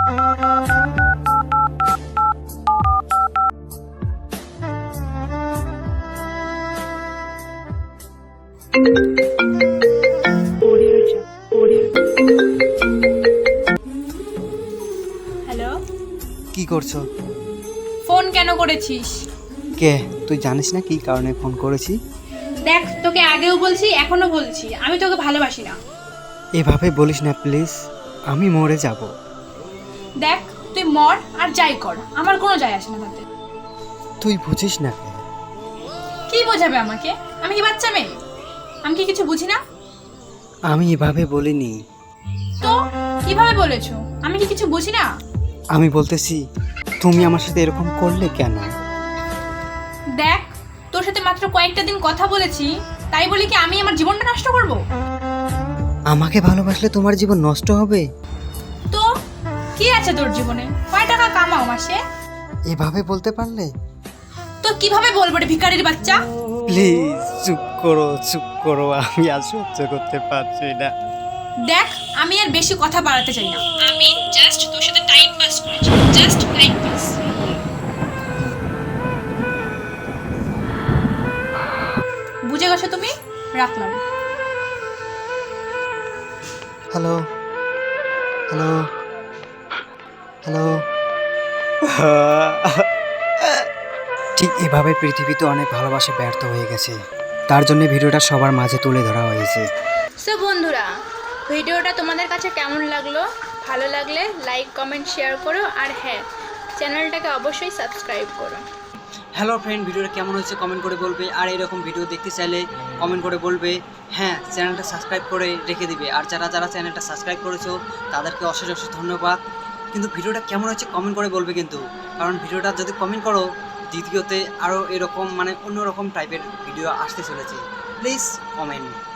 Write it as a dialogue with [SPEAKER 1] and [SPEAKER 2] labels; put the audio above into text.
[SPEAKER 1] Hello,
[SPEAKER 2] কি করছো?
[SPEAKER 1] Phone কেন করেছিস?
[SPEAKER 2] কে তুই জানিস না কি কারণে ফোন করেছি?
[SPEAKER 1] দেখ, তোকে আগেও বলছি, এখনো বলছি, আমি তোকে ভালোবাসি না।
[SPEAKER 2] এভাবে বলিস না প্লিজ, আমি মরে যাব।
[SPEAKER 1] দেখ, তুই মর আর যাই কর, আমার কোনো যায় আসে না তাতে।
[SPEAKER 2] তুই বুঝিস না কে?
[SPEAKER 1] কি বোঝাবে আমাকে? আমি কি বাচ্চা মেয়ে? আমি কি কিছু বুঝি না?
[SPEAKER 2] আমি এভাবে বলিনি।
[SPEAKER 1] তো কিভাবে বলেছো? আমি কি কিছু বুঝি না?
[SPEAKER 2] আমি বলতেছি তুমি আমার সাথে এরকম করলে কেন?
[SPEAKER 1] দেখ, তোর সাথে মাত্র কয়েকটা দিন কথা বলেছি, তাই বলি কি আমি আমার জীবনটা নষ্ট করব?
[SPEAKER 2] আমাকে ভালোবাসলে তোমার জীবন নষ্ট হবে?
[SPEAKER 1] তো কি আছে তোর জীবনে? কয় টাকা কামাও মাসে?
[SPEAKER 2] এভাবে বলতে পারলে?
[SPEAKER 1] তো কিভাবে বলবো রে ভিখারির বাচ্চা?
[SPEAKER 2] প্লিজ চুপ করো, আমি আর সহ্য করতে পারছি না।
[SPEAKER 1] দেখ, আমি আর বেশি কথা বাড়াতে চাই না। আমি জাস্ট তোর সাথে টাইম পাস করেছি, জাস্ট টাইম পাস। বুঝে গেছো তুমি? রাখলাম।
[SPEAKER 2] Hello hello hello. ঠিক এভাবে পৃথিবীতে অনেক ভালোবাসা ব্যর্থ হয়ে গেছে, তার জন্য ভিডিওটা সবার মাঝে তুলে ধরা হয়েছে।
[SPEAKER 1] সো বন্ধুরা, ভিডিওটা তোমাদের কাছে কেমন লাগলো? ভালো লাগলে লাইক, কমেন্ট, শেয়ার করো, আর হ্যাঁ, চ্যানেলটাকে অবশ্যই সাবস্ক্রাইব করো।
[SPEAKER 2] হ্যালো ফ্রেন্ড, ভিডিওটা কেমন হয়েছে কমেন্ট করে বলবে, আর এরকম ভিডিও দেখতে চাইলে কমেন্ট করে বলবে। হ্যাঁ, চ্যানেলটা সাবস্ক্রাইব করে রেখে দিবে, আর যারা যারা চ্যানেলটা সাবস্ক্রাইব করেছো তাদেরকে অশেষ অশেষ ধন্যবাদ। কিন্তু ভিডিওটা কেমন হয়েছে কমেন্ট করে বলবে কিন্তু, কারণ ভিডিওটা যদি কমেন্ট করো দ্বিতীয়তে আরও এরকম অন্যরকম টাইপের ভিডিও আসতে চলেছে। Please comment.